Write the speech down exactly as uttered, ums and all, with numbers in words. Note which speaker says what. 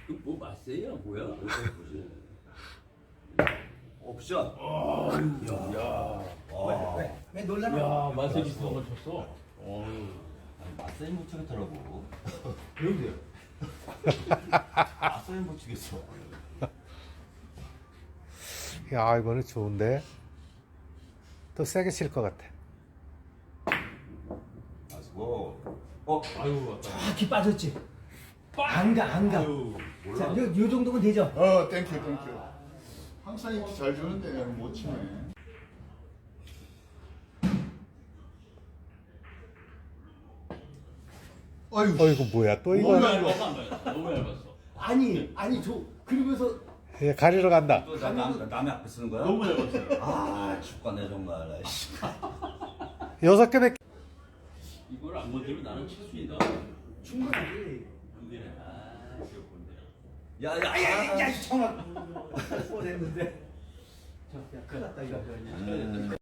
Speaker 1: 뭐 맛세야 뭐야?
Speaker 2: 옵션.
Speaker 1: 야,
Speaker 3: 왜, 왜 놀라나?
Speaker 1: 야, 맛세 비슷한 걸 쳤어. 어휴.
Speaker 2: 아니, 맞서야 못 치겠더라고.
Speaker 1: 그런데요.
Speaker 2: 맞서야 못 치겠어.
Speaker 4: 야, 이거는 좋은데. 더 세게 칠 것 같아.
Speaker 2: 아수고. 어,
Speaker 1: 아유, 왔다.
Speaker 3: 정확히 빠졌지. 안 가, 안 가.
Speaker 1: 아유,
Speaker 3: 자,
Speaker 1: 몰라.
Speaker 3: 요, 요 정도면 되죠?
Speaker 5: 어, 땡큐, 땡큐. 항상 이렇게 잘 주는데 내가 못 치네. 어휴,
Speaker 4: 어, 이거 뭐야? 또
Speaker 1: 너무
Speaker 4: 이거
Speaker 1: 얇았어, 안 얇았어. 너무 얇았어.
Speaker 3: 아니, 아니, 저, 그러면서,
Speaker 4: 얘 가리러 간다.
Speaker 2: 또 나, 남, 남의 앞에 쓰는 거야?
Speaker 1: 너무 얇았어요.
Speaker 2: 아, 죽겠네 정말. 아이씨.
Speaker 4: 여섯 개밖에.
Speaker 1: 이걸 안 건드리면 나는 칠 수 있다.
Speaker 3: 충분하지.
Speaker 1: 근데 아, 귀엽군데.
Speaker 2: 야, 야,
Speaker 3: 야, 야,
Speaker 2: 야,
Speaker 3: 야, 정확. 뻔했는데. 저, 야, 큰일 났다, 이거.
Speaker 2: 음.